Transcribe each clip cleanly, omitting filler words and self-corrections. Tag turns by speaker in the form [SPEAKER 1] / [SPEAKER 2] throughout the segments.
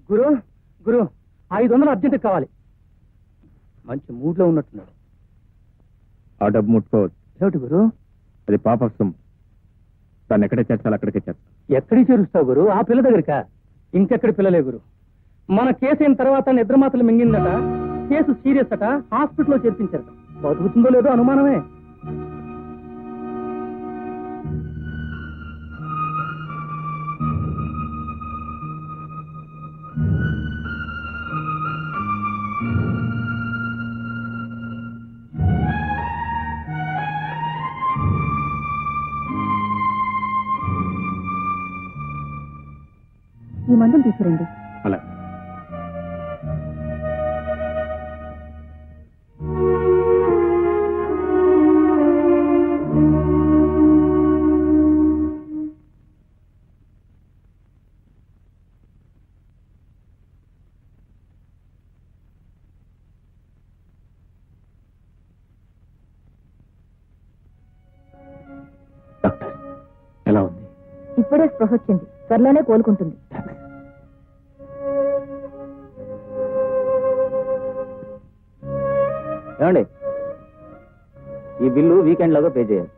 [SPEAKER 1] గురు గురు 500 urgent కావాలి. మంచి మూడ్లో ఉన్నట్టున్నాడు.
[SPEAKER 2] ఆ డబ్బు ముట్టుకోవచ్చు.
[SPEAKER 1] ఏమిటి గురు?
[SPEAKER 2] అది పాప సొమ్ము. దాన్ని ఎక్కడే చేర్చాలి అక్కడికే చేర్చాలి.
[SPEAKER 1] ఎక్కడికి చేరుస్తావు గురు? ఆ పిల్ల దగ్గరికా? ఇంకెక్కడి పిల్లలే గురు. మన కేసు అయిన తర్వాత నిద్ర మాత్రలు మింగిందట. కేసు సీరియస్ అట. హాస్పిటల్లో చేర్పించారట. బతుకుతుందో లేదో అనుమానమే.
[SPEAKER 3] ఈ మందులు తీసుకురండి.
[SPEAKER 2] అలా డాక్టర్ ఎలా ఉంది?
[SPEAKER 3] ఇప్పుడే స్పృహ వచ్చింది. త్వరలోనే కోలుకుంటుంది.
[SPEAKER 1] ఏమండి, ఈ బిల్లు వీకెండ్ లాగా పే చేయాలి.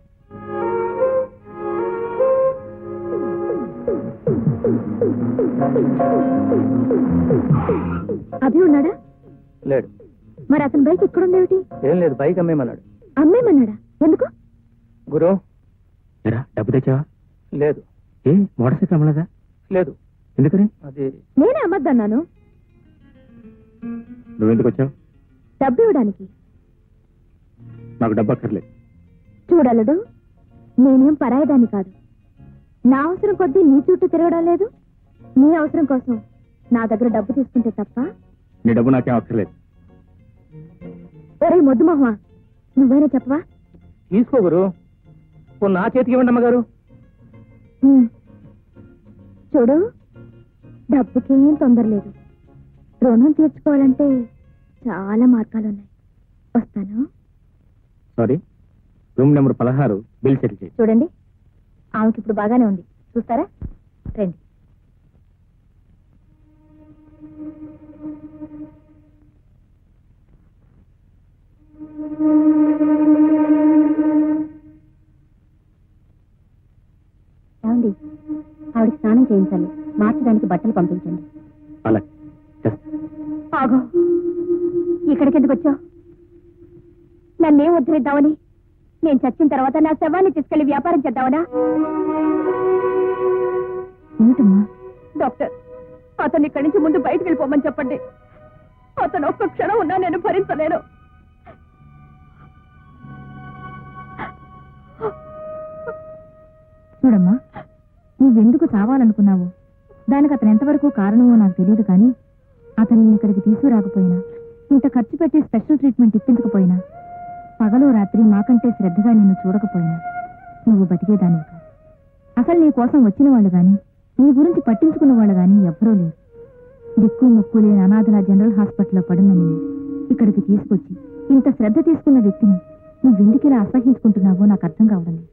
[SPEAKER 3] అభి ఉన్నాడా?
[SPEAKER 1] లేడు.
[SPEAKER 3] మరి అతని బైక్ ఎక్కడుందేమిటి?
[SPEAKER 1] ఏం లేదు, బైక్ అమ్మేమన్నాడు.
[SPEAKER 3] అమ్మేమన్నాడా? ఎందుకు?
[SPEAKER 1] గురు
[SPEAKER 2] డబ్బు తెచ్చావా?
[SPEAKER 1] లేదు.
[SPEAKER 2] ఏ మోటార్ సైకిల్ అమ్మలేదా?
[SPEAKER 1] లేదు.
[SPEAKER 2] ఎందుకని?
[SPEAKER 1] అది
[SPEAKER 3] నేనే అమ్మద్దన్నాను.
[SPEAKER 2] నువ్వెందుకు వచ్చావు?
[SPEAKER 3] డబ్బు ఇవ్వడానికి.
[SPEAKER 2] నాకు డబ్బు అక్కర్లేదు.
[SPEAKER 3] చూడలడు, నేనేం పరాయదాన్ని కాదు. నా అవసరం కొద్దీ నీ చుట్టూ తిరగడం లేదు. నీ అవసరం కోసం నా దగ్గర డబ్బు తీసుకుంటే తప్ప.
[SPEAKER 2] నీ డబ్బు నాకేం అక్కర్లేదు.
[SPEAKER 3] ఒరే మొద్దు మొహమా, నువ్వైనా చెప్పవా?
[SPEAKER 1] తీసుకో గురు. నా చేతికి ఇవ్వండి అమ్మగారు.
[SPEAKER 3] చూడు, డబ్బుకేం తొందర లేదు. రుణం తీర్చుకోవాలంటే చాలా మార్గాలున్నాయి. వస్తాను.
[SPEAKER 2] Sorry, room number 16 bill settle చేయి.
[SPEAKER 3] చూడండి, ఆమెకి ఇప్పుడు బాగానే ఉంది. చూస్తారా? రండి. ఏమండి, ఆవిడకి స్నానం చేయించాలి. మార్చడానికి బట్టలు పంపించండి.
[SPEAKER 2] అలా
[SPEAKER 3] ఆగో, ఇక్కడికి ఎందుకు వచ్చావు? నన్నేం ఉద్ధరిద్దామని? నేను చచ్చిన తర్వాత నా శవాన్ని తీసుకెళ్లి వ్యాపారం చేద్దామనా? ఏమిటమ్మా? డాక్టర్, అతను ఇక్కడి నుంచి ముందు బయటకు వెళ్ళిపోమని చెప్పండి. అతను ఒక్క క్షణం ఉన్నా నేను భరించలేను. చూడమ్మా, నువ్వెందుకు చావాలనుకున్నావు? దానికి అతను ఎంతవరకు కారణమో నాకు తెలియదు, కానీ అతను ఇక్కడికి తీసుకురాకపోయినా, ఇంత ఖర్చు పెట్టి స్పెషల్ ట్రీట్మెంట్ ఇప్పించకపోయినా, పగలు రాత్రి మాకంటే శ్రద్ధగా నిన్ను చూడకపోయినా నువ్వు బతికేదానివి కాదు. అసలు నీ కోసం వచ్చిన వాళ్ళు గాని, నీ గురించి పట్టించుకున్న వాళ్ళు గాని ఎవ్వరూ లేరు. దిక్కు మొక్కు లేని అనాథల జనరల్ హాస్పిటల్లో పడున్న నిన్ను ఇక్కడికి తీసుకొచ్చి ఇంత శ్రద్ధ తీసుకున్న వ్యక్తిని నువ్వెందుకు ఇలా అసహించుకుంటున్నావో నాకు అర్థం కావడం లేదు.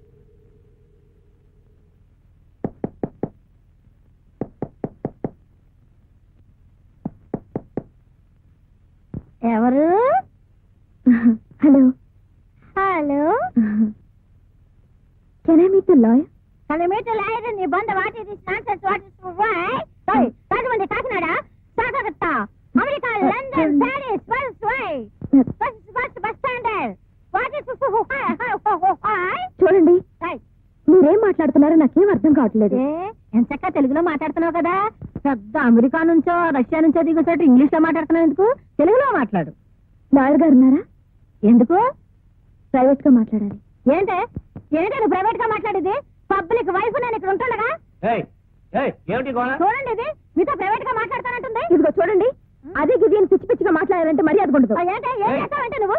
[SPEAKER 3] ఎవరు? Hello hello, can I meet the lawyer? Can I meet the lawyer in Nibanda? What is this nonsense? What is this? Why? Sorry, Rajamandi, Kakinada, Sagarata, America, London, Paris, first way, first bus standard. What is this? Why? చూడండి, మీరేం మాట్లాడుతున్నారో నాకేం అర్థం కావట్లేదు. ఎంచక్క తెలుగులో మాట్లాడుతున్నావు కదా, పెద్ద అమెరికా నుంచో రష్యా నుంచో దిగుసట్టు ఇంగ్లీష్ లో మాట్లాడుతున్నావు ఎందుకు? తెలుగులో మాట్లాడు. లాయర్ గారు ఉన్నారా? ఎందుకు? ప్రైవేట్ గా మాట్లాడాలి. ఏంటే నువ్వు ప్రైవేట్ గా మాట్లాడేది? పబ్లిక్ వైఫ్ నేను ఇక్కడ ఉంటుండగా. చూడండి, ఇది మీతో ప్రైవేట్ గా మాట్లాడతానంటుంది. ఇదిగో చూడండి, అదే గిది పిచ్చి పిచ్చిగా మాట్లాడాలంటే మర్యాద ఉండదు. ఏం చేస్తావంటే నువ్వు?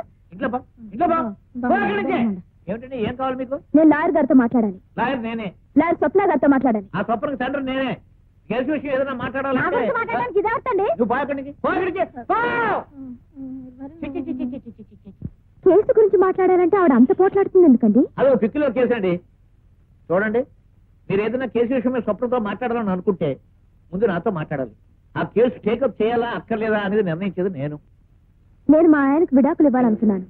[SPEAKER 1] ఏం కావాలి మీకు?
[SPEAKER 3] నేను లాయర్ గారితో మాట్లాడాలి.
[SPEAKER 1] లాయర్ నేనే.
[SPEAKER 3] లాయర్ స్వప్న గారితో మాట్లాడాలి.
[SPEAKER 1] ఆ స్వప్నకి సెంటర్ నేనే. కేసు విషయం ఏదైనా
[SPEAKER 3] మాట్లాడడానికి ఇదే వస్తండి. కేసు గురించి మాట్లాడాలంటే ఆవిడ అంత పోట్లాడుతుంది ఎందుకండి?
[SPEAKER 1] అదో పిక్కిలో కేసు అండి. చూడండి, మీరు ఏదైనా కేసు విషయం మీద స్వప్నతో మాట్లాడాలని అనుకుంటే
[SPEAKER 4] ముందు నాతో మాట్లాడాలి. ఆ కేసు టేకప్ చేయాలా అక్కర్లేదా అనేది నిర్ణయించేది నేను.
[SPEAKER 3] నేను మా ఆయనకు విడాకులు ఇవ్వాలనుకున్నాను.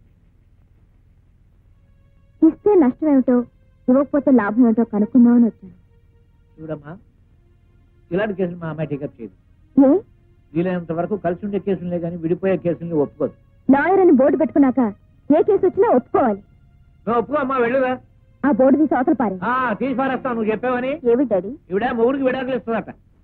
[SPEAKER 3] ఇస్తే నష్టం ఏమిటో, ఇవ్వకపోతే లాభం ఏమిటో కనుక్కుందామని వచ్చాను.
[SPEAKER 4] చూడమ్మా, ఇలాంటి కేసులు మా అమ్మాయి టేకప్ చేయదు.
[SPEAKER 3] ఏ
[SPEAKER 4] వీలైనంత వరకు కలిసి ఉండే కేసులే కానీ విడిపోయే కేసుల్ని ఒప్పుకోదు.
[SPEAKER 3] లాయర్ అని బోర్డు పెట్టుకున్నాక ఏ కేసు వచ్చినా ఒప్పుకోవాలి.
[SPEAKER 4] నువ్వు ఒప్పుకో అమ్మా, వెళ్ళుదా.
[SPEAKER 3] ఆ బోర్డు తీసి అవతల పారే.
[SPEAKER 4] తీసి పారేస్తావు నువ్వు చెప్పావని.
[SPEAKER 3] ఏమి డాడీ?
[SPEAKER 4] ఇవిడ మొగుడికి విడాకులు ఇస్తుందట.